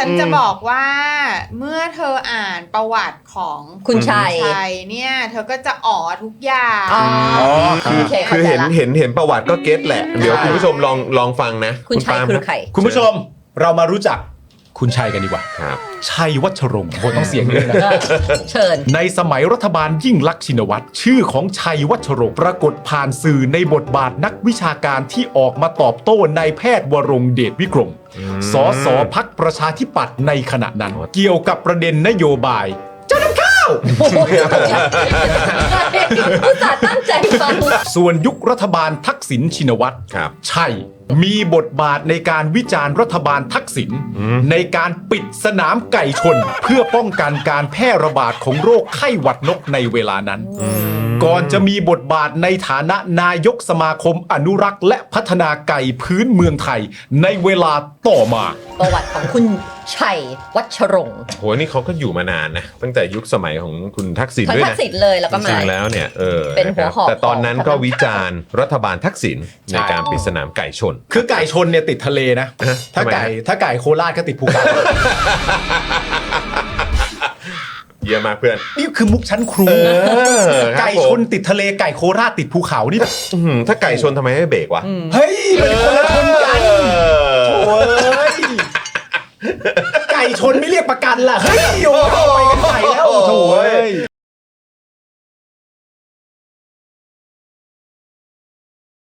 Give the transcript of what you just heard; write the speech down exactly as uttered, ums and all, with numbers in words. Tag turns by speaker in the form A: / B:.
A: ฉันจะบอกว่าเมื่อเธออ่านประวัติของ
B: คุณชัย
A: ชัยเนี่ยเธอก็จะอ๋อทุกอย่าง
B: อ๋อ
C: คือ
B: โอเค
C: คือ
B: เข้าใจ
C: เห็น
B: ละ
C: เห็นเห็นประวัติก็เก็ตแหละ เดี๋ยวคุณผู้ชมลองลองฟังนะ
B: คุณชัย
C: ปาล์ม
B: คือ
C: รับ
B: ใคร
D: คุณผู้ชมเรามารู้จักคุณชัยกันดีกว่า
C: ครับ
D: ชัยวัชรงค์โหต้องเสียงเลยนะ
B: เชิญ
D: ในสมัยรัฐบาลยิ่งลักษณ์ชินวัตรชื่อของชัยวัชรงค์ปรากฏผ่านสื่อในบทบาทนักวิชาการที่ออกมาตอบโต้นายแพทย์วรงค์เดชวิกรมสสพักประชาธิปัตย์ในขณะนั้น เกี่ยวกับประเด็นนโยบายเจ้าน้ำข้าว
B: โอ้โหอุตส่าห์ตั้งใจฟัง
D: ส่วนยุครัฐบาลทักษิณชินวัตร
C: ครับ
D: ใช่ มีบทบาทในการวิจารณ์รัฐบาลทักษิณในการปิดสนามไก่ชน เพื่อป้องกันการแพร่ระบาดของโรคไข้หวัดนกในเวลานั้น ก่อนจะมีบทบาทในฐานะนายกสมาคมอนุรักษ์และพัฒนาไก่พื้นเมืองไทยในเวลาต่อมา
B: ประวัติของคุณชัยวัชรงค์
C: โหนี่เขาก็อยู่มานานนะ ตั้งแต่ยุคสมัยของคุณทักษิณ
B: ทั้ง
C: ด้วย
B: ทั
C: นะ
B: กษิณเลยแล้วก็
C: จ
B: มา
C: ริงๆแล้วเนี่ยเออ
B: เป็นหัวหอก
C: ะครับแต่ตอนนั้นก็
B: ของ
C: วิจารณ์รัฐบาลทักษิณในการปิดสนามไก่ชน
D: คือไก่ชนเนี่ยติดทะเลนะ
C: ฮะ
D: ถ้า
C: ทำไม
D: ไก่
C: ฮะ
D: ถ้าไก่โคราชก็ติดภูเขา
C: เยี่ยมมากเพื่อน
D: นี่คือมุกชั้นครู
C: อครับ
D: ไก่ชนติดทะเลไก่โคราชติดภูเขานี่แบบ
C: อื้อหือถ้าไก่ชนทำไมไม่เบรกวะ
D: เฮ้ยมันคนละชนกัน
C: เออ
D: โอ้ยไก่ชนไม่เรียกประกันล่ะ เฮ้ยโอ้ยไปกันใหญ่แล้วโถ่เอ้ย